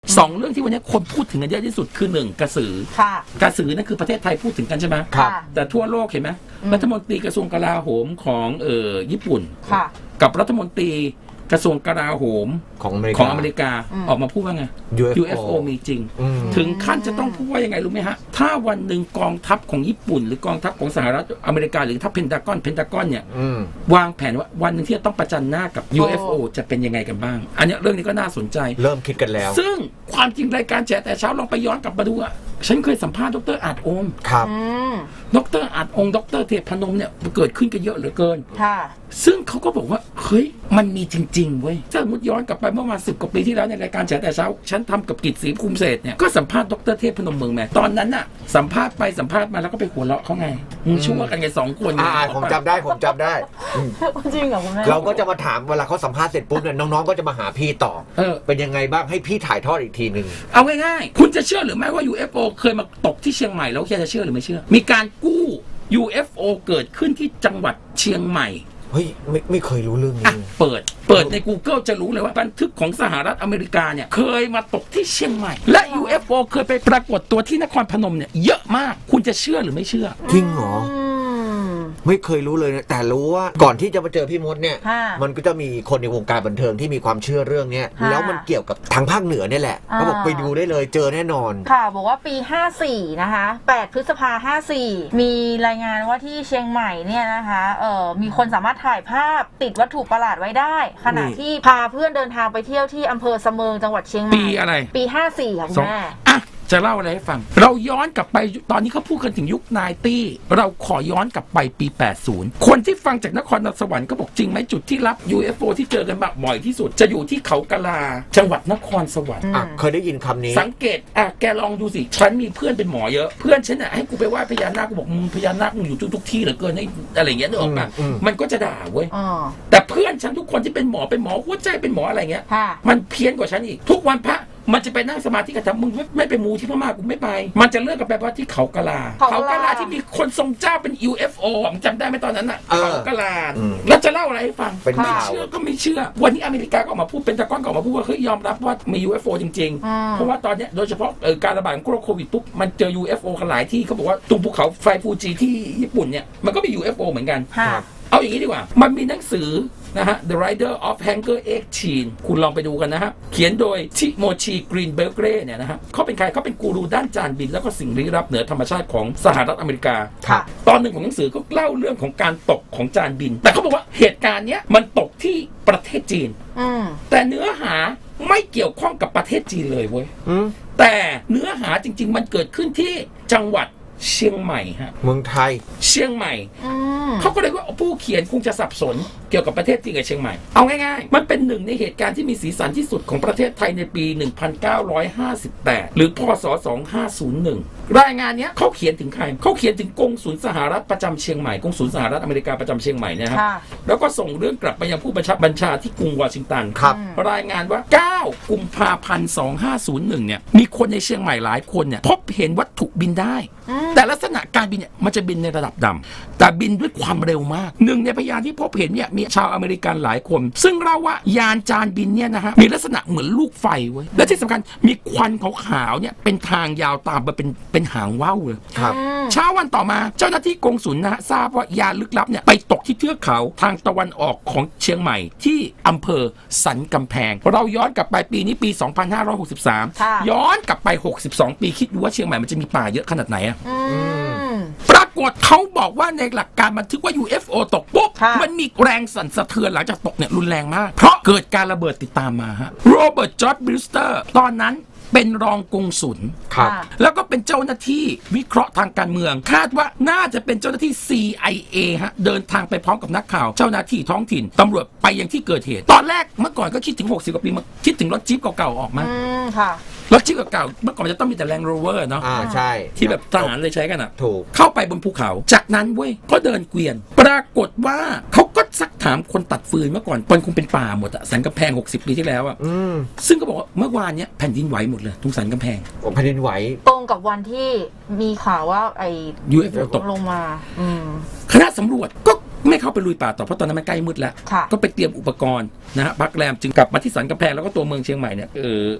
2 เรื่องที่วันนี้คนพูดถึงกันเยอะที่สุดคือ1กระสือค่ะกระสือนั่นคือประเทศไทยพูดถึงกันใช่ไหมครับแต่ทั่วโลกเห็นไหมรัฐมนตรีกระทรวงกลาโหมของญี่ปุ่นกับรัฐมนตรีกระทรวงกลาโหมของอเมริกาออกมาพูดว่าไง UFO มีจริงถึงขั้นจะต้องพูดว่ายังไงรู้ไหมฮะถ้าวันหนึ่งกองทัพของญี่ปุ่นหรือกองทัพของสหรัฐอเมริกาหรือทัพเพนทากอนเนี่ยวางแผนว่าวันหนึ่งที่จะต้องประจันหน้ากับ UFO จะเป็นยังไงกันบ้างอันนี้เรื่องนี้ก็น่าสนใจเริ่มคิดกันแล้วซึ่งความจริงรายการแฉแต่เช้าลองไปย้อนกลับมาดูอะฉันเคยสัมภาษณ์ดร.อาจโอมครับดร.อาจองค์ดร.เทพพนมเนี่ยเกิดขึ้นกันเยอะเหลือเกินซึ่งเขาก็บอกว่าเฮ้ยมันมีจริงๆเว้ยถ้าสมมติย้อนกลับไปเมื่อมา10 กว่าปีที่แล้วในรายการแฉแต่เช้าฉันทำกับกิจศรีภูมิเศรษฐ์เนี่ยก็สัมภาษณ์ดร.เทพพนมเมืองแม่ตอนนั้นน่ะสัมภาษณ์ไปสัมภาษณ์มาแล้วก็ไปหัวเราะเขาไงมึงชั่วกันไง2 คนผมจำได้จริงเหรอคุณแม่เราก็จะมาถามเวลาเขาสัมภาษณ์เสร็จปุ๊บเนี่ยน้องๆก็จะมาหาพี่ต่อเป็นยังไงบ้างให้พี่ถ่ายทอดอีกทีนึงเอาง่ายๆคุณจะเชื่อหรือไม่ว่า UFO เคยมาตกที่เชียงใหม่แล้วแค่จะเชื่อหรือไม่เชื่อมีการกู้ UFO เกิดขึ้นที่จังหวัดเชียงใหม่เฮ้ยไม่เคยรู้เรื่องนี้เปิดใน Google จะรู้เลยว่าบันทึกของสหรัฐอเมริกาเนี่ยเคยมาตกที่เชียงใหม่และ UFO เคยไปปรากฏตัวที่นครพนมเนี่ยเยอะมากคุณจะเชื่อหรือไม่เชื่อจริงเหรอไม่เคยรู้เลยนะแต่รู้ว่าก่อนที่จะมาเจอพี่มดเนี่ยมันก็จะมีคนในวงการบันเทิงที่มีความเชื่อเรื่องนี้แล้วมันเกี่ยวกับทางภาคเหนือเนี่ยแหละเขาบอกไปดูได้เลยเจอแน่นอนค่ะบอกว่าปี54นะคะ8 พฤษภาคม 54มีรายงานว่าที่เชียงใหม่เนี่ยนะคะมีคนสามารถถ่ายภาพติดวัตถุประหลาดไว้ได้ขณะที่พาเพื่อนเดินทางไปเที่ยวที่อำเภอเสมิงจังหวัดเชียงใหม่ปีอะไรปี54ค่ะคุณแม่จะเล่าอะไรให้ฟังเราย้อนกลับไปตอนนี้เขาพูดกันถึงยุค90เราขอย้อนกลับไปปี80คนที่ฟังจากนครสวรรค์ก็บอกจริงไหมจุดที่รับ UFO ที่เจอกันบ่อยที่สุดจะอยู่ที่เขากะลาจังหวัดนครสวรรค์เคยได้ยินคำนี้สังเกตแกลองดูสิฉันมีเพื่อนเป็นหมอเยอะเพื่อนฉันให้กูไปไหว้พญานาคกูบอกมึงพญานาคมึงอยู่ทุกที่เหลือเกินอะไรอย่างเงี้ยนึกออกป่ะมันก็จะด่าเว้ยแต่เพื่อนฉันทุกคนที่เป็นหมอหัวใจเป็นหมออะไรเงี้ยมันเพี้ยนกว่าฉันอีกทุกวันพระมันจะไปนั่งสมาธิกันทำมึงไม่ไปมูที่พม่ากูไม่ไปมันจะเลือกกันไปว่าที่เขากะลาที่มีคนทรงเจ้าเป็น UFO ผมจำได้ไหมตอนนั้นอ่ะเขากะลาแล้วจะเล่าอะไรให้ฟังไม่เชื่อก็ไม่เชื่อวันนี้อเมริกาก็ออกมาพูดเป็นตะก้อนก็ออกมาพูดว่าเฮ้ยยอมรับว่ามี UFO จริงๆเพราะว่าตอนนี้โดยเฉพาะการระบาดของโควิดปุ๊บมันเจอ UFO กันหลายที่เขาบอกว่าตรงภูเขาไฟฟูจิที่ญี่ปุ่นเนี่ยมันก็มี UFO เหมือนกันเอาอย่างนี้ดีกว่ามันมีหนังสือนะฮะ The Rider of Hanger X Chin คุณลองไปดูกันนะฮะเขียนโดยทิโมชีกรีนเบอร์เกรเนี่ยนะฮะเขาเป็นใครเขาเป็นกูรูด้านจานบินแล้วก็สิ่งลี้ลับเหนือธรรมชาติของสหรัฐอเมริกาตอนหนึ่งของหนังสือก็เล่าเรื่องของการตกของจานบินแต่เขาบอกว่าเหตุการณ์เนี้ยมันตกที่ประเทศจีนแต่เนื้อหาไม่เกี่ยวข้องกับประเทศจีนเลยเว้ยแต่เนื้อหาจริงๆมันเกิดขึ้นที่จังหวัดเชียงใหม่ฮะเมืองไทยเชียงใหม่เขาก็เลยว่าผู้เขียนคงจะสับสนเกี่ยวกับประเทศจีนกับเชียงใหม่เอาง่ายๆมันเป็นหนึ่งในเหตุการณ์ที่มีสีสันที่สุดของประเทศไทยในปี 1958 หรือพศ 2501 รายงานนี้เขาเขียนถึงใครเขาเขียนถึงกงสุลสหรัฐประจำเชียงใหม่กงสุลสหรัฐอเมริกาประจำเชียงใหม่นะครับแล้วก็ส่งเรื่องกลับไปยังผู้บัญชาที่กรุงวอชิงตันรายงานว่า 9 กุมภาพันธ์ 2501 เนี่ยมีคนในเชียงใหม่หลายคนเนี่ยพบเห็นวัตถุบินได้แต่ลักษณะการบินเนี่ยมันจะบินในระดับดำแต่บินด้วยความเร็วมากหนึ่งในพยานที่พบเห็นเนี่ยมีชาวอเมริกันหลายคนซึ่งเล่าว่ายานจานบินเนี่ยนะฮะมีลักษณะเหมือนลูกไฟเว้ยและที่สำคัญมีควันขาวๆเนี่ยเป็นทางยาวตามไปเป็นหางว่าวเลยเช้าวันต่อมาเจ้าหน้าที่กงสุลนะฮะทราบว่ายานลึกลับเนี่ยไปตกที่เทือกเขาทางตะวันออกของเชียงใหม่ที่อำเภอสันกำแพงเราย้อนกลับไปปีนี้ปี 2563 ย้อนกลับไป62 ปีคิดดูว่าเชียงใหม่มันจะมีป่าเยอะขนาดไหนอะปรากฏเขาบอกว่าในหลักการบันทึกว่า UFO ตกปุ๊บมันมีแรงสั่นสะเทือนหลังจากตกเนี่ยรุนแรงมากเพราะเกิดการระเบิดติดตามมาฮะโรเบิร์ตจอร์จบริสเตอร์ตอนนั้นเป็นรองกงสุลแล้วก็เป็นเจ้าหน้าที่วิเคราะห์ทางการเมืองคาดว่าน่าจะเป็นเจ้าหน้าที่ CIA ฮะเดินทางไปพร้อมกับนักข่าวเจ้าหน้าที่ท้องถิ่นตำรวจไปยังที่เกิดเหตุตอนแรกเมื่อก่อนก็คิดถึง60 กว่าปีมาคิดถึงรถจี๊ปเก่าๆออกมารถจี๊ปเก่าๆเมื่อก่อนจะต้องมีแต่ Land Rover เนาะใช่ที่แบบทหารเลยใช้กันอ่ะถูกเข้าไปบนภูเขาจากนั้นเว้ยก็เดินเกวียนปรากฏว่าเขาก็ซักถามคนตัดฟืนเมื่อก่อนมันคงเป็นป่าหมดอะสันกำแพง60 ปีที่แล้วอะซึ่งก็บอกว่าเมื่อวานเนี้ยแผ่นดินไหวหมดเลยทุกสันกำแพงแผ่นดินไหวตรงกับวันที่มีข่าวว่าไอ้ UFO ตกลงมาคณะสำรวจก็ไม่เข้าไปลุยป่าต่อเพราะตอนนั้นมันใกล้มืดแล้วก็ไปเตรียมอุปกรณ์นะฮะพักแรมจึงกลับมาที่สันกำแพงแล้วก็ตัวเมืองเชียงใหม่เนี่ย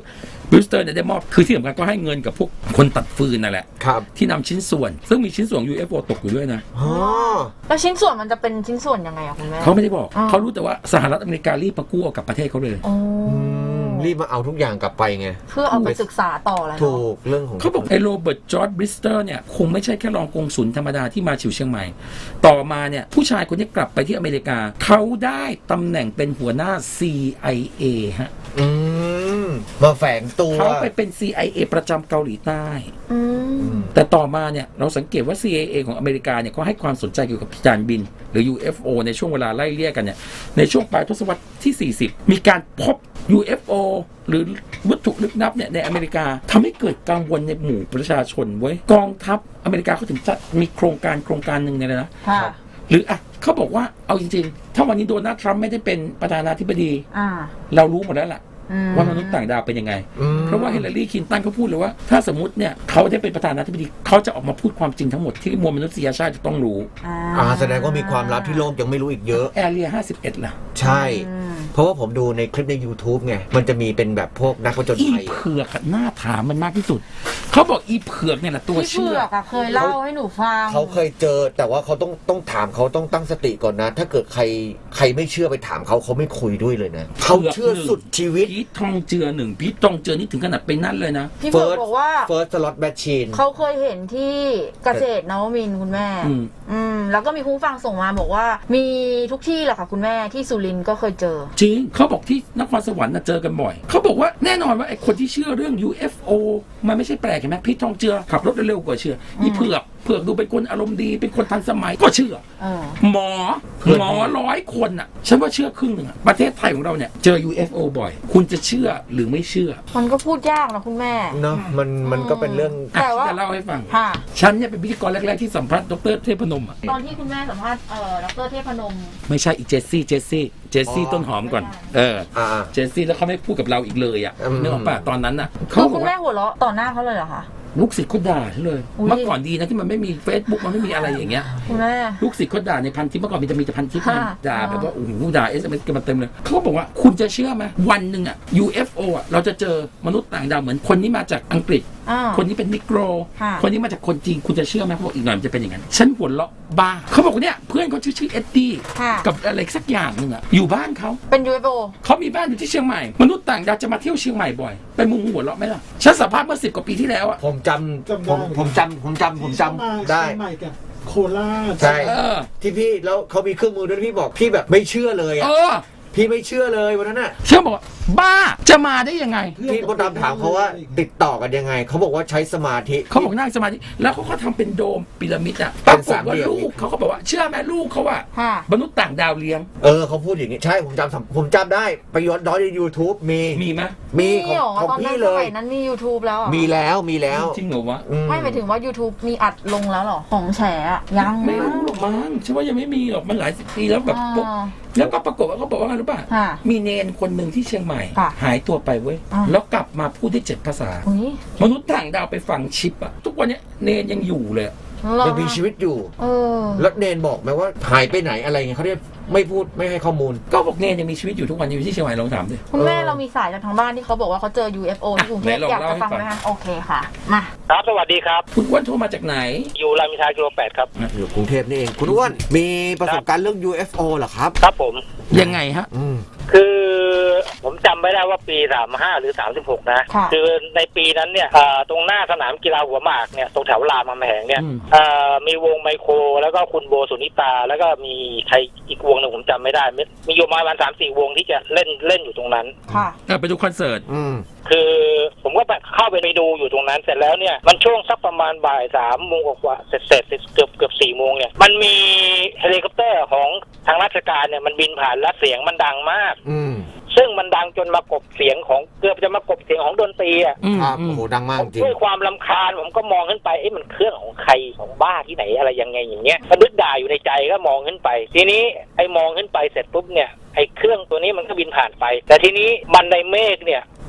บรูสเตอร์เนี่ยได้มอบคือที่สำคัญก็ให้เงินกับพวกคนตัดฟืนนั่นแหละครับที่นำชิ้นส่วนซึ่งมีชิ้นส่วน UFO ตกอยู่ด้วยนะอ๋อแล้วชิ้นส่วนมันจะเป็นชิ้นส่วนยังไงอะคุณแม่เขาไม่ได้บอกอ๋อเขารู้แต่ว่าสหรัฐอเมริการีบมากู้เอากลับประเทศเขาเลยโอ้รีบมาเอาทุกอย่างกลับไปไงเพื่อเอาไปศึกษาต่อแล้วถูเนาะกเรื่องของเขาบอกไอ้โรเบิร์ตจอร์จบริสเตอร์เนี่ยคงไม่ใช่แค่รองกงสุลธรรมดาที่มาฉิวเชียงใหม่ ต่อมาเนี่ยผู้ชายคนนี้กลับไปที่อเมริกาเขาได้ตำแหน่งเป็นหัวหน้า CIA ฮะอืมมาแฝงตัวเขาไปเป็น CIA ประจำเกาหลีใต้อืมแต่ต่อมาเนี่ยเราสังเกตว่า CIA ของอเมริกาเนี่ยก็ให้ความสนใจเกี่ยวกับยานบินหรือ UFO ในช่วงเวลาไล่เลี่ยกันเนี่ยในช่วงปลายทศวรรษที่ 40 มีการพบ UFO หรือวัตถุลึกลับเนี่ยในอเมริกาทำให้เกิดกังวลในหมู่ประชาชนเว้ยกองทัพอเมริกาเขาถึงจะมีโครงการหนึ่งเนี่ยนะค่ะหรืออ่ะเขาบอกว่าเอาจริงๆ ถ้าวันนี้โดนัลด์ทรัมป์ไม่ได้เป็นประธานาธิบดีอ่าเรารู้หมดแล้วล่ะอืมว่ามนุษย์ต่างดาวเป็นยังไงอืมเพราะว่าเฮเลารีคลินตันเขาพูดเลยว่าถ้าสมมติเนี่ยเขาได้เป็นประธานาธิบดีเขาจะออกมาพูดความจริงทั้งหมดที่มวลมนุษยชาติจะต้องรู้แสดงว่ามีความลับที่โลกยังไม่รู้อีกเยอะแอเรีย51ล่ะใช่ เพราะว่าผมดูในคลิปใน YouTube ไง มันจะมีเป็นแบบพวกนักผจญอีภัยเผือกอะหน้าถามมันมากที่สุด เขาบอกอีเผือกเนี่ยแหละตัวพี่เชื่เผืออกอะเคยเล่าให้หนูฟังเขาเคยเจอแต่ว่าเขาต้องถามเขาต้องตั้งสติก่อนนะ ถ้าเกิดใครไม่เชื่อไปถามเขาไม่คุยด้วยเลยนะเขาเชื่อสุดชีวิตพีททองเจือหนึ่งพีททองเจือนี่ถึงขนาดไปนั่นเลยนะพี่เผือกบอกว่า First Slot Machine เขาเคยเห็นที่เกษตรนวมินทร์คุณแม่ แล้วก็มีคุณผู้ฟังส่งมาบอกว่า มีทุกที่แหละค่ะคุณแม่ที่สุรินทร์ก็เคยเจอจริงเขาบอกที่นครสวรรค์น่ะเจอกันบ่อยเขาบอกว่าแน่นอนว่าไอ้คนที่เชื่อเรื่อง UFO มันไม่ใช่แปลกเห็นไหมพีททองเจือขับรถเร็วกว่าเชื่ออีเผือกดูเป็นคนอารมณ์ดีเป็นคนทันสมัยก็เชื่อ หมอ100 คนอ่ะฉันว่าเชื่อครึ่งหนึ่งอ่ะประเทศไทยของเราเนี่ยเจอ UFO บ่อย คุณจะเชื่อหรือไม่เชื่อมันก็พูดยากนะคุณแม่เนาะมันก็เป็นเรื่องแต่ว่าจะเล่าให้ฟังค่ะฉันเนี่ยเป็นพิธีกรแรกๆที่สัมภาษณ์ดร.เทพนมอ่ะตอนที่คุณแม่สัมภาษณ์ดร.เทพนมไม่ใช่อีกเจสซี่ต้นหอมก่อนเจสซี่แล้วเขาไม่พูดกับเราอีกเลยอ่ะนึกออกป่ะตอนนั้นน่ะคือคุณแม่หัวเราะต่อหน้าเขาเลยเหรอคะลูกศิษย์เขาด่าฉันเลยอุ๊ยเมื่อก่อนดีนะที่มันไม่มี Facebook มันไม่มีอะไรอย่างเงี้ยคุณแม่ลูกศิษย์เขาด่าในพันทิปเมื่อก่อนมีแต่พันทิปค่ะด่าแบบว่าโอ้โหด่า SMS กันมาเต็มเลยเขาก็บอกว่าคุณจะเชื่อไหมวันหนึ่งอ่ะ UFO อ่ะเราจะเจอมนุษย์ต่างดาวเหมือนคนนี้มาจากอังกฤษ คนนี้เป็นนิโกรค่ะคนนี้มาจากคนจีนคุณจะเชื่อไหมเขาบอกอีกหน่อยมันจะเป็นอย่างนั้นฉันหัวเราะบ้าเขาบอกว่าเนี่ยเพื่อนเขาชื่อเอ็ดดี้ค่ะกับอะไรสักอย่างหนึ่งอ่ะอยู่บ้านเขาเป็น UFO เขามีบ้านอยู่ที่เชียงใหม่มนุษย์ต่างดาวจะมาเที่ยวเชียงใหม่บ่อยเป็นมุมหัวเราะไหมล่ะฉันสัมภาษณ์เมื่อ10 กว่าปีที่แล้วอ่ะผมจำได้เชียงใหม่กับโคราชใช่ที่ที่พี่แล้วเขามีเครื่องมือด้วยพี่บอกพี่แบบไม่เชื่อเลยอ่ะพี่ไม่เชื่อเลยวันนั้นน่ะเชื่อบอกว่าบ้าจะมาได้ยังไงพี่มดดำถามเขาว่าติดต่อกันยังไงเขาบอกว่าใช้สมาธิเขาบอกนั่งสมาธิแล้วเขาก็ทำเป็นโดมพีระมิดอ่ะปเป็ราน กฏสามว่าเหลี่ยมลูกเขาก็บอกว่าเชื่อไหมลูกเขาว่าค่ะมนุษย์ต่างดาวเลี้ยงเขาพูดอย่างนี้ใช่ผมจำได้ไปย้อนใน YouTube มีไหมมีเหรอของตอนนั้พี่นเลสยมัยนั้นมี YouTube แล้วเหรอมีแล้วจริงเหรอวะไม่หมายถึงว่า YouTube มีอัดลงแล้วเหรอ ของแฉอะยังไม่รู้หรอกมั้งฉันว่ายังไม่มีหรอกมันหลายสิบปีแล้วแบบปุ๊บอ่าแล้วก็ปรากฏว่าเขาบอกว่าไงรู้ป่ะค่ะมีเนนคนหนึ่งที่เชียงใหม่ค่ะหายตัวไปเว้ยอ่าแล้วกลับมาพูดได้7 ภาษาอุ้ยมนุษย์ต่างดาวไปฝังชิปอะทุกวันเนี้ยเนนยังอยู่เลยยังมีชีวิตอยู่เออแล้วเนนบอกไหมว่าหายไปไหนอะไรเงี้ยเขาเรียกไม่พูดไม่ให้ข้อมูลก็บอกเนนยังมีชีวิตอยู่ทุกวันอยู่ที่เชียงใหม่ลองถามดิคุณแม่เรามีสายจากทางบ้านที่เขาบอกว่าเขาเจอ UFO ที่กรุงเทพไหนลองอยากจะเล่าให้ฟังฟังไหมคะโอเคค่ะ มาครับสวัสดีครับคุณอ้วนโทรมาจากไหนอยู่รามอินทรากิโล 8 ครับอยู่กรุงเทพนี่เองคุณอ้วนมีประสบการณ์เรื่อง UFO เหรอครับครับผมยังไงฮะคือผมจำไม่ได้ว่าปี 35 หรือ 36 นะค่ะคือในปีนั้นเนี่ยตรงหน้าสนามกีฬาหัวหมากเนี่ยตรงแถวรามคำแหงเนี่ยอืมมีวงไมโครแล้วก็คุณโบสุนิตา แล้วก็มีใครอีกวงหนึ่งผมจำไม่ได้มีอยู่ประมาณ 3-4 วงที่จะเล่นอยู่ตรงนั้นค่ะไปดูคอนเสิร์ตคือผมก็เข้าไปดูอยู่ตรงนั้นเสร็จแล้วเนี่ยมันช่วงสักประมาณบ่าย3 โมงกว่าเสร็จเกือบ4 โมงเนี่ยมันมีเฮลิคอปเตอร์ของทางราชการเนี่ยมันบินผ่านและเสียงมันดังมาก ซึ่งมันดังจนมากบเสียงของเกือบจะมากบเสียงของดนตรีอ่ะครับโอ้โหดังมากจริงด้วยความรำคาญผมก็มองขึ้นไปมันเครื่องของใครของบ้าที่ไหนอะไรยังไงอย่างเงี้ยก็นึกด่าอยู่ในใจก็มองขึ้นไป ทีนี้ไอ้มองขึ้นไปเสร็จปุ๊บเนี่ยไอ้เครื่องตัวนี้มันก็บินผ่านไป แต่ทีนี้มันในเมฆเนี่ย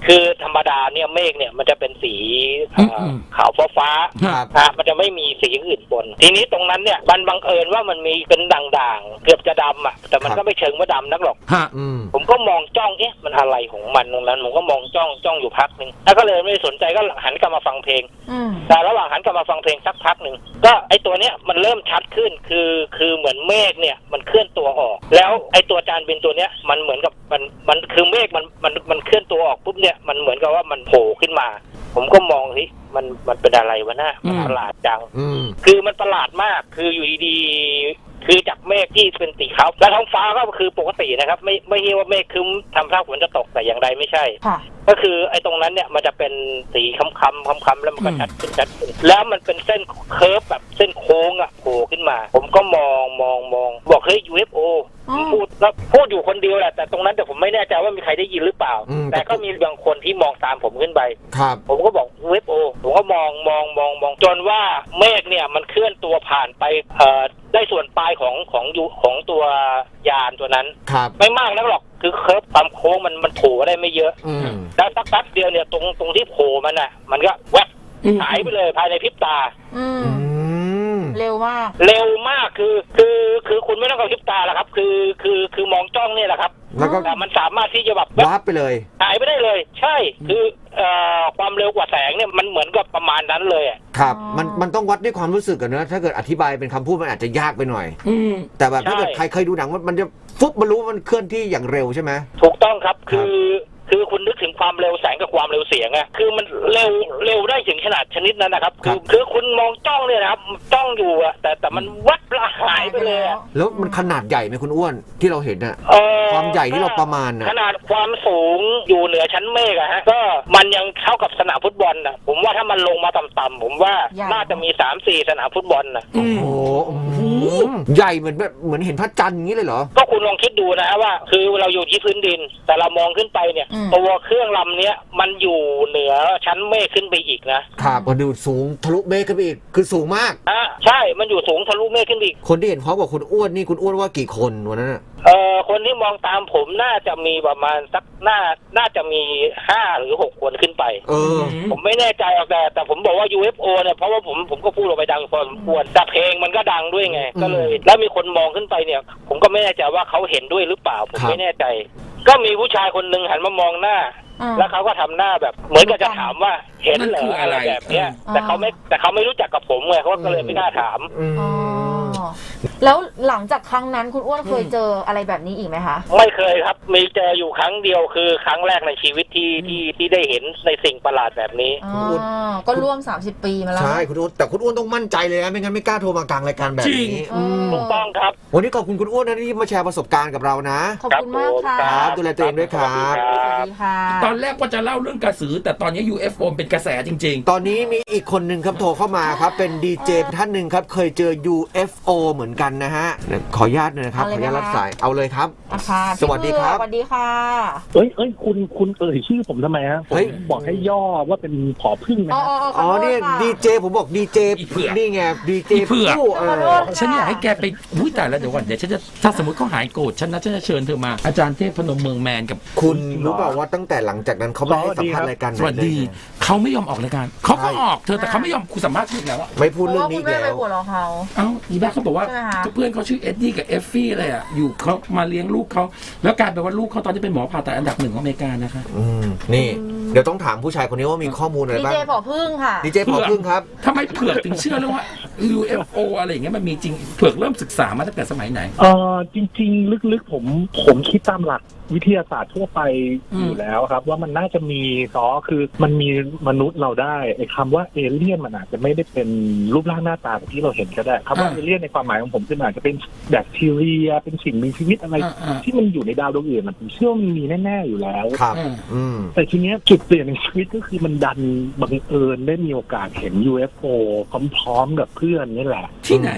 คือธรรมดาเนี่ยเมฆเนี่ยมันจะเป็นสีขาวฟ้ามันจะไม่มีสีอื่นปนทีนี้ตรงนั้นเนี่ยมันบังเอิญว่ามันมีเป็นด่างๆเกือบจะดำอ่ะแต่มันก็ไม่เชิงว่าดำนักหรอกผมก็มองจ้องมันอะไรของมันตรงนั้นผมก็มองจ้องอยู่พักนึงแล้วก็เลยไม่สนใจก็หันกลับมาฟังเพลงแต่ระหว่างหันกลับมาฟังเพลงสักพักนึงก็ไอตัวเนี้ยมันเริ่มชัดขึ้นคือเหมือนเมฆเนี่ยมันเคลื่อนตัวออกแล้วไอตัวจานบินตัวเนี้ยมันเหมือนกับมันคือเมฆมันเคลื่อนตัวออกปุ๊บเนี่ยมันเหมือนกับว่ามันโผล่ขึ้นมาผมก็มองสิมันเป็นอะไรวะน่ะมันประหลาดจังคือมันประหลาดมากคืออยู่ดีๆคือจากเมฆที่เป็นสีขาวและท้องฟ้าก็คือปกตินะครับไม่ใช่ว่าเมฆครึ้มทำท่าฝนจะตกแต่อย่างใดไม่ใช่ก็คือไอ้ตรงนั้นเนี่ยมันจะเป็นสีค้ำๆแล้วมันก็ชัดขึ้นแล้วมันเป็นเส้นเคิร์ฟแบบเส้นโค้งอ่ะโผล่ขึ้นมาผมก็มองบอกเฮ้ย UFO พูดอยู่คนเดียวแหละแต่ตรงนั้นแต่ผมไม่แน่ใจว่ามีใครได้ยินหรือเปล่าแต่ก็มีบางคนที่มองตามผมขึ้นไปผมก็บอก UFO ผมก็มองจนว่าเมฆเนี่ยมันเคลื่อนตัวผ่านไปได้ส่วนปลายของตัวยานตัวนั้นไม่มากนักหรอกคือเคิร์ฟความโค้งมันโผล่ได้ไม่เยอะแล้วสักแป๊บเดียวเนี่ยตรงที่โผล่มันก็แวบหายไปเลยภายในพริบตาเร็วมากคือคุณไม่ต้องกระพริบตาหรอกครับคือมองจ้องเนี่ยแหละครับแต่มันสามารถที่จะแบบวาบไปเลยหายไปได้เลยใช่คือความเร็วกว่าแสงเนี่ยมันเหมือนกับประมาณนั้นเลยครับมันต้องวัดด้วยความรู้สึกกันนะถ้าเกิดอธิบายเป็นคำพูดมันอาจจะยากไปหน่อยแต่แบบถ้าเกิดใครเคยดูหนังมันจะฟุบมันรู้มันเคลื่อนที่อย่างเร็วใช่ไหมถูกต้องครับคือคุณนึกถึงความเร็วแสงกับความเร็วเสียงอะคือมันเร็วได้ถึงขนาดชนิดนั้นนะครับคือคุณมองจ้องเนี่ยนะครับจ้องอยู่อะแต่มันวัดละหายไปเลยแล้วมันขนาดใหญ่ไหมคุณอ้วนที่เราเห็นอะความใหญ่ที่เราประมาณนะขนาดความสูงอยู่เหนือชั้นเมฆอะฮะก็มันยังเท่ากับสนามฟุตบอลนะผมว่าถ้ามันลงมาต่ำๆผมว่าน่าจะมี 3-4 สนามฟุตบอลนะโอ้โหใหญ่เหมือนเห็นพระจันทร์อย่างนี้เลยเหรอก็คุณลองคิดดูนะฮะว่าคือเราอยู่ที่พื้นดินแต่เรามองขึ้นไปเนี่ยตัวเครื่องลำเนี้ยมันอยู่เหนือชั้นเมฆขึ้นไปอีกนะครับมันดูสูงทะลุเมฆขึ้นไปอีกคือสูงมากใช่มันอยู่สูงทะลุเมฆขึ้นอีกคนที่เห็นพร้อมกับคุณอ้วนนี่คุณอ้วนว่ากี่คนวันนั้นคนที่มองตามผมน่าจะมีประมาณสักน่าจะมี5 หรือ 6 คนขึ้นไปผมไม่แน่ใจหรอกแต่ผมบอกว่า UFO เนี่ยเพราะว่าผมก็พูดออกไปดังพอสมควรแต่เพลงมันก็ดังด้วยไงก็เลยแล้วมีคนมองขึ้นไปเนี่ยผมก็ไม่แน่ใจว่าเขาเห็นด้วยหรือเปล่าผมไม่แน่ใจก็มีผู้ชายคนหนึ่งหันมามองหน้าแล้วเขาก็ทำหน้าแบบเหมือนกับจะถามว่าเห็นเหรออะไรแบบเนี้ยแต่เขาไม่รู้จักกับผมไงเขาก็เลยไม่กล้าถามแล้วหลังจากครั้งนั้นคุณอ้วนเคยเจออะไรแบบนี้อีกไหมคะไม่เคยครับมีเจออยู่ครั้งเดียวคือครั้งแรกในชีวิตที่ได้เห็นในสิ่งประหลาดแบบนี้ก็ร่วม30 ปีมาแล้วใช่คุณอ้วนแต่คุณอ้วนต้องมั่นใจเลยนะไม่งั้นไม่กล้าโทรมากลางรายการแบบนี้ถูกต้องครับวันนี้ขอบคุณคุณอ้วนนะที่มาแชร์ประสบการณ์กับเรานะขอบคุณมากค่ะดูแลตัวเองด้วยครับสวัสดีค่ะตอนแรกว่าจะเล่าเรื่องกระสือแต่ตอนนี้ UFO เป็นกระแสจริงๆตอนนี้มีอีกคนหนึ่งครับโทรเข้ามาครับเป็นดีเจท่านหนึ่งครับเคยเจอ UFO เหมือนกันนะฮะขออนุญาตนะครับขออนุญาตรับสายเอาเลยครับสวัสดีครับสวัสดีค่ะคุณชื่อผมทำไมฮะผมบอกให้ย่อว่าเป็นผอพึ่งนะอ๋อนี่ดีเจผมบอกดีเจนี่ไงดีเจเพื่อฉันอยากให้แกไปอุ้ยแต่แล้วเดี๋ยวก่อนเดี๋ยวฉันจะถ้าสมมติเขาหายโกรธฉันจะเชิญเธอมาอาจารย์เทพพนมเมืองแมนกับคุณรู้เปล่าว่าตั้งแต่หลังจากนั้นเขาไม่ให้สัมภาษณ์รายการสวัสดีเขาไม่ยอมออกรายการเขาก็ออกเธอแต่เขาไม่ยอมคุณสัมภาษณ์อีกแล้วไม่พูดเรื่องนี้แล้วอีบ้าเขาบอกว่าเพื่อนเขาชื่อเอ็ดดี้กับเอฟฟี่เลยอ่ะอยู่เขามาเลี้ยงลูกเขาแล้วกลายเป็นว่าลูกเขาตอนนี้เป็นหมอผ่าตัดอันดับ 1ของอเมริกานะคะนี่เดี๋ยวต้องถามผู้ชายคนนี้ว่ามีข้อมูลอะไรบ้างดีเจผอพึ่งค่ะดีเจผอพึ่งครับทำไมเผือกถึงเชื่อเรื่องว่า UFO อะไรอย่างเงี้ยมันมีจริงเผือกเริ่มศึกษามาตั้งแต่สมัยไหนจริงๆลึกๆผมคิดตามหลักวิทยาศาสตร์ทั่วไปอยู่แล้วครับว่ามันน่าจะมีคือมันมีมนุษย์เราได้ไอ้คำว่าเอเลี่ยนมันอาจจะไม่ได้เป็นรูปร่างหน้าตาแบบที่เราเห็นก็ได้คำว่าเอเลี่ยนในความหมายของผมคืออาจจะเป็นแบคทีเรียเป็นสิ่งมีชีวิตอะไรที่มันอยู่ในดาวดวงอื่นผมเชื่อมันมีแน่ๆอยู่แล้วครับแต่ทีเนี้ยจุดเปลี่ยนในชีวิตก็คือมันดันบังเอิญได้มีโอกาสเห็น UFO พร้อมๆกับเพื่อนนี่แหละที่ไหน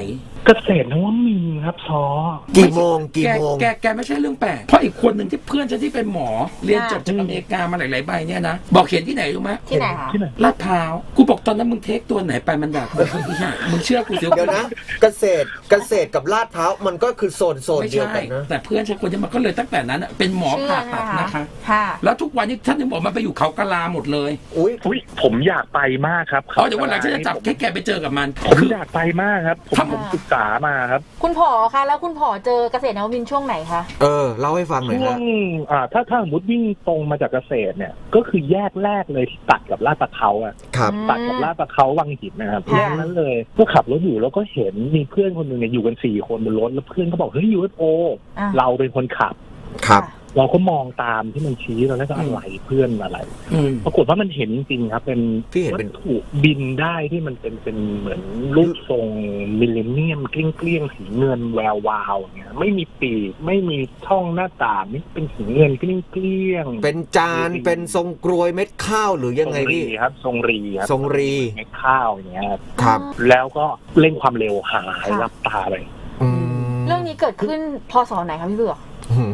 เกษตรนวมินทร์ครับซอกี่โมงแกไม่ใช่เรื่องแปลกเพราะอีกคนหนึ่งที่เพื่อนฉันที่เป็นหมอเรียนจบจากอเมริกามาหลายๆใบเนี่ยนะบอกเขียนที่ไหนรู้ไหมที่ไหนคะที่ไหนลาดพร้าวกูบอกตอนนั้นมึงเทคตัวไหนไปมันแบบมึงเชื่อกูเสียเดี๋ยวนะเกษตรกับลาดพร้าวมันก็คือโซนไม่เดียวใช่กันนะแต่เพื่อนฉันคนนี้มันก็เลยตั้งแต่นั้นเป็นหมอผ่าตัดนะคะค่ะแล้วทุกวันนี้ท่านยังบอกมันไปอยู่เขากะลาหมดเลยอุ้ยอุ๊ยผมอยากไปมากครับเดี๋ยววันหลังฉันจะจับแกไปเจอกับมันผมอยากไปมากครับผมศึกษามาครับคุณผอคะแล้วคุณผอเจอเกษตรนวมินทร์ช่วงไหนคะเล่าให้ฟังหน่อยช่วฮะงถ้าสมมติวิ่งตรงมาจากเกษตรเนี่ยก็คือแยกแรกเลยที่ตัดกับลาดตะเขาอะครับตัดกับลาดตะเขาวังหินนะครับค่ะแยกนั้นเลยก็ขับรถอยู่แล้วก็เห็นมีเพื่อนคนหนึ่งเนี่ยอยู่กัน4 คนบนรถแล้วเพื่อนก็บอกเฮ้ย UFO อ่ะเราเป็นคนขับครับเราก็มองตามที่มันชี้เราแล้วก็อะไรเพื่อนอะไร ปรากฏว่ามันเห็นจริงครับเป็นที่เห็นวัเป็นตถุบินได้ที่มันเป็นเหมือนรูปทรงมิลเลนเนียมเกลี้ยงๆสีเงินแวววาวอย่างเงี้ยไม่มีปีกไม่มีช่องหน้าต่างนี่เป็นสีเงินเกลี้ยงๆเป็นจานเป็นทรงกรวยเม็ดข้าวหรือยังไงพี่ครับทรงรีครับทรงรีเม็ดข้าวอย่างเงี้ยครับครับแล้วก็เร่งความเร็วหายรับตาไปอืมเรื่องนี้เกิดขึ้นพศไหนคะพี่เบือก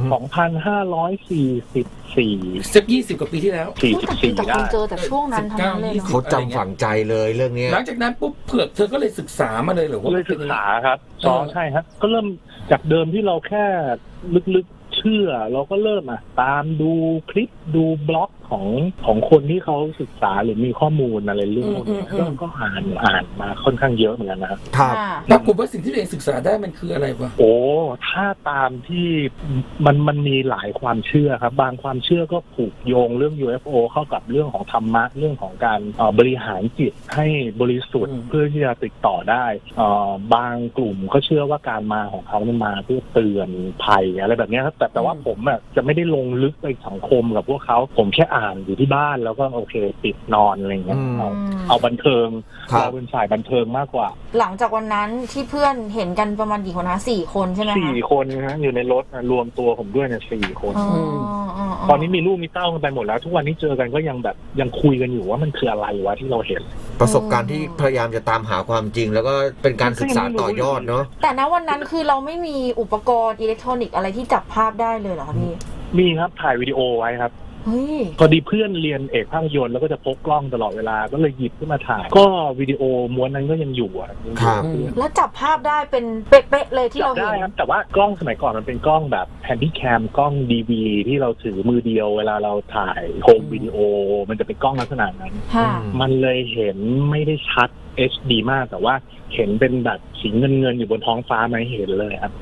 2,544 สัก20 กว่าปีที่แล้ว 44 แต่คได้นเจอแต่ช่วงนั้นทั้งนั้นเลยเนาะเขาจำฝังใจเลยเรื่องเนี้ยหลังจากนั้นปุ๊บเผือกเธอก็เลยศึกษามาเลยเหรอว่าเลยศึกษาครับใช่ครับก็เริ่มจากเดิมที่เราแค่ลึกๆเชื่อเราก็เริ่มตามดูคลิปดูบล็อกของคนที่เขาศึกษาหรือมีข้อมูลอะไรเรื่องพวกนี้ก็อ่านมาค่อนข้างเยอะเหมือนกันนะครับครับปรากฏว่าสิ่งที่ตัวเองศึกษาได้มันคืออะไรวะโอ้ถ้าตามที่มันมีหลายความเชื่อครับบางความเชื่อก็ผูกโยงเรื่อง UFO เข้ากับเรื่องของธรรมะเรื่องของการบริหารจิตให้บริสุทธิ์เพื่อที่จะติดต่อได้บางกลุ่มก็เชื่อว่าการมาของเขาเนี่ยมาเพื่อเตือนภัยอะไรแบบนี้ครับแต่ว่าผมจะไม่ได้ลงลึกไปสังคมกับพวกเขาผมแค่อ่านอยู่ที่บ้านแล้วก็โอเคปิดนอนอะไรเงี้ยเอาบันเทิงเราเป็นฝ่ายบันเทิงมากกว่าหลังจากวันนั้นที่เพื่อนเห็นกันประมาณกี่คนคะ4 คนใช่ไหมคะ 4 คนนะอยู่ในรถรวมตัวผมด้วยเนี่ย4 คน ตอนนี้มีลูกมีเต้ากันไปหมดแล้วทุกวันนี้เจอกันก็ยังคุยกันอยู่ว่ามันคืออะไรวะที่เราเห็นประสบการณ์ที่พยายามจะตามหาความจริง แล้วก็เป็นการศึกษาต่อยอดเนาะแต่ณวันนั้นคือเราไม่มีอุปกรณ์อิเล็กทรอนิกส์อะไรที่จับภาพได้เลยเหรอคะพี่มีครับถ่ายวิดีโอไว้ครับเฮ้ยพอดีเพื่อนเรียนเอกภาพยนตร์แล้วก็จะพกกล้องตลอดเวลาก็เลยหยิบขึ้นมาถ่ายก็วิดีโอม้วนนั้นก็ยังอยู่ยังอยู่กับเพื่อนแล้วจับภาพได้เป็นเป๊ะๆเลยที่เราจับเห็ได้นครับแต่ว่ากล้องสมัยก่อนมันเป็นกล้องแบบแฮนดี้แคมกล้องDVที่เราถือมือเดียวเวลาเราถ่ายโฮมวิดีโอมันจะเป็นกล้องลักษณะนั้นค่ะมันเลยเห็นไม่ได้ชัด HD มากแต่ว่าเห็นเป็นแบบสีเงินอยู่บนท้องฟ้าไม่เห็นเลยครับ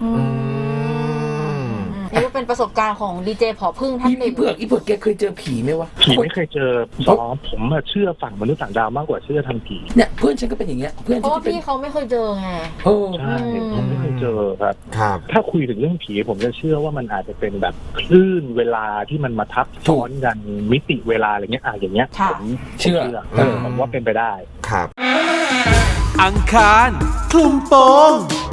นี่ก็เป็นประสบการณ์ของดีเจผอพึ่งท่านหนึ่อีงเผือกแกเคยเจอผีไหมวะผีไม่เคยเจอผมเชื่อฝั่งมนุษย์ต่างดาวมากกว่าเชื่อทางผีเนี่ยเพื่อนฉันก็เป็นอย่างเงี้ยเพื่อนเพราะว่าที่เป็นพี่เขาไม่เคยเจอไงใช่ผมไม่เคยเจอครับครับถ้าคุยถึงเรื่องผีผมจะเชื่อว่ามันอาจจะเป็นแบบคลื่นเวลาที่มันมาทับซ้อนกันมิติเวลาอะไรเงี้ยอย่างเงี้ยค่ะผมเชื่อผมว่าเป็นไปได้ครับอังคารคลุมโปง